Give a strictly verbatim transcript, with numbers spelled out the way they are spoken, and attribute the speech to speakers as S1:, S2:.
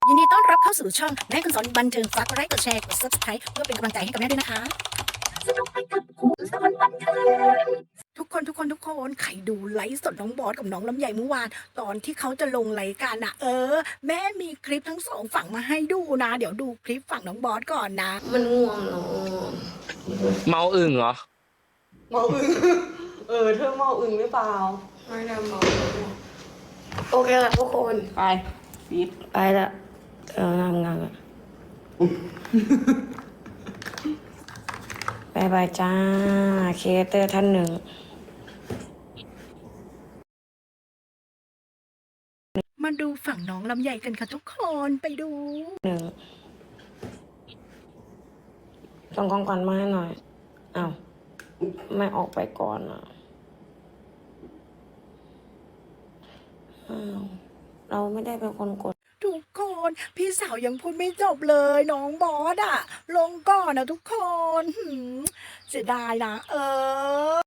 S1: ยินดีต้อนรับเข้าสู่ช่องแม่คุณสอนบันเทิงฝากกดไลค์กดแชร์กด ซับสไครบ์ เพื่อเป็นกำลังใจให้กับแม่ด้วยนะคะทุกคนทุกคนทุกคนใครดูไลฟ์สดน้องบอสกับน้องลำไยเมื่อวานตอนที่เขาจะลงรายการนะเออ แม่มีคลิปทั้งสองฝั่งมาให้ดูนะ เดี๋ยวดูคลิปฝั่งน้องบอสก่อนนะ
S2: มันง่วงเนาะ
S3: เมาอึ่งเหรอ
S4: เมาอึง เออเธอเมาอึงหรือเปล่า
S2: ไม่ได้เมาโอเคละทุกคน
S4: ไปปิด
S2: ไปละเออทำงานละบายบายจ้าครีเอเตอร์ท่านหนึ่ง
S1: มาดูฝั่งน้องลำไยกันค่ะทุกคนไปดู
S2: หนึ่งส่งของขวัญมาให้หน่อยอ้าวไม่ออกไปก่อนอ่ะอ้าวเราไม่ได้เป็นคนกด
S1: ทุกคนพี่สาวยังพูดไม่จบเลยน้องบอสอะลงก่อนนะทุกคนหืมเสียดายนะเออ